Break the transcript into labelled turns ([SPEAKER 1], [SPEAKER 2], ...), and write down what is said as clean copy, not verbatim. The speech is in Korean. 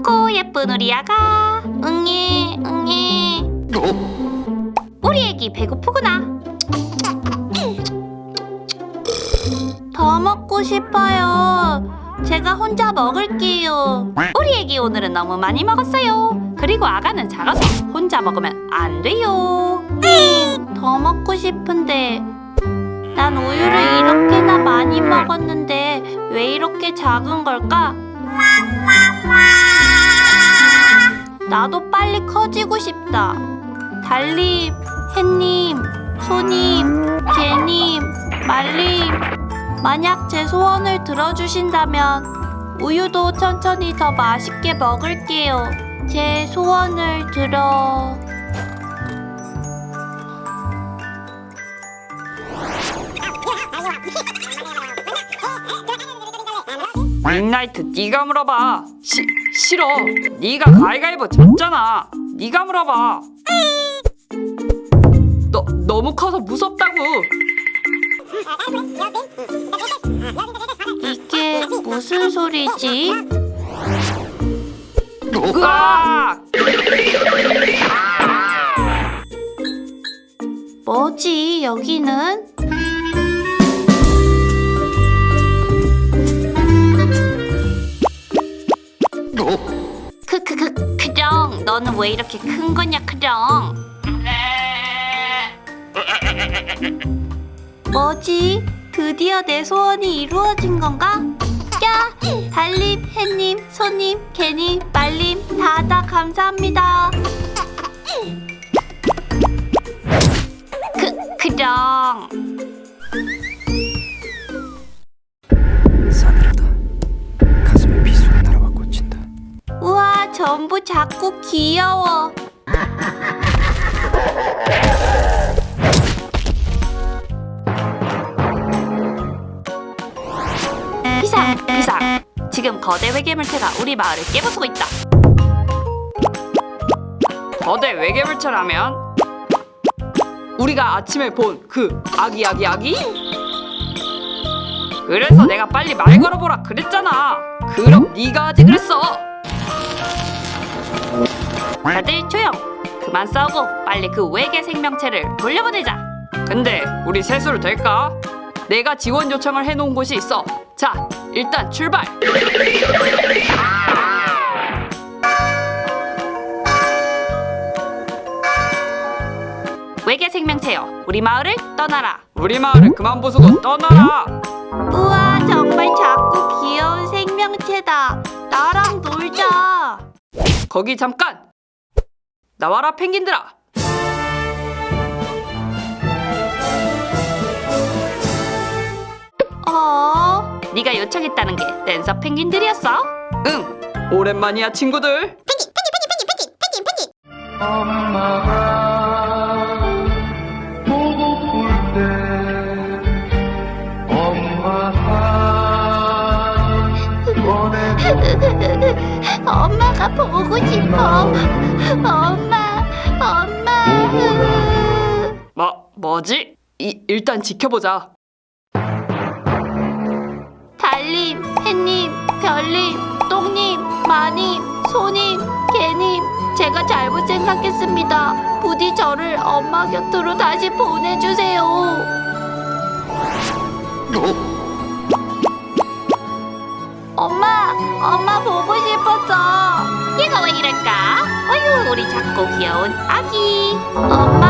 [SPEAKER 1] 아이고 예쁜 우리 아가. 응애 응애. 우리 애기 배고프구나. 더 먹고 싶어요. 제가 혼자 먹을게요. 우리 애기 오늘은 너무 많이 먹었어요. 그리고 아가는 작아서 혼자 먹으면 안 돼요. 더 먹고 싶은데 난 우유를 이렇게나 많이 먹었는데 왜 이렇게 작은 걸까? 나도 빨리 커지고 싶다. 달님, 햇님, 소님, 개님, 말님, 만약 제 소원을 들어주신다면 우유도 천천히 더 맛있게 먹을게요. 제 소원을 들어...
[SPEAKER 2] 윙나이트, 네가 물어봐. 싫어. 네가 가위가위보 졌잖아. 네가 물어봐. 너무 커서 무섭다고.
[SPEAKER 1] 이게 무슨 소리지?
[SPEAKER 2] 으악!
[SPEAKER 1] 뭐지 여기는? 크렁, 너는 왜 이렇게 큰 거냐 크렁? 뭐지? 드디어 내 소원이 이루어진 건가? 야! 달님, 햇님, 소님, 개님, 말님 다 감사합니다. 크렁.
[SPEAKER 3] 싸늘하다. 가슴에 비수가 날아와 꽂힌다.
[SPEAKER 1] 우와, 전부 작고 귀여워. 비상. 지금 거대 외계물체가 우리 마을을 깨부수고 있다.
[SPEAKER 2] 거대 외계물체라면 우리가 아침에 본 그 아기? 그래서 내가 빨리 말 걸어보라 그랬잖아. 그럼 네가 하지 그랬어.
[SPEAKER 1] 다들 조용. 그만 싸우고 빨리 그 외계 생명체를 돌려보내자.
[SPEAKER 2] 근데 우리 셋으로 될까? 내가 지원 요청을 해놓은 곳이 있어. 자, 일단 출발.
[SPEAKER 1] 외계 생명체여, 우리 마을을 떠나라.
[SPEAKER 2] 우리 마을을 그만 부수고 떠나라.
[SPEAKER 1] 우와, 정말 작고 귀여운 생명체다. 나랑 놀자.
[SPEAKER 2] 거기 잠깐. 나와라 펭귄들아.
[SPEAKER 1] 네가 요청했다는 게 댄서 펭귄들이었어?
[SPEAKER 2] 응, 오랜만이야 친구들.
[SPEAKER 3] 엄마가 보고플 때 엄마가 보내줘.
[SPEAKER 1] 엄마가 보고 싶어. 엄마.
[SPEAKER 2] 뭐지? 일단 지켜보자.
[SPEAKER 1] 달님, 햇님, 별님, 똥님, 마님, 소님, 개님, 제가 잘못 생각했습니다. 부디 저를 엄마 곁으로 다시 보내주세요. 엄마 보고 싶었어. 얘가 왜 이럴까? 어휴, 우리 작고 귀여운 아기. 엄마.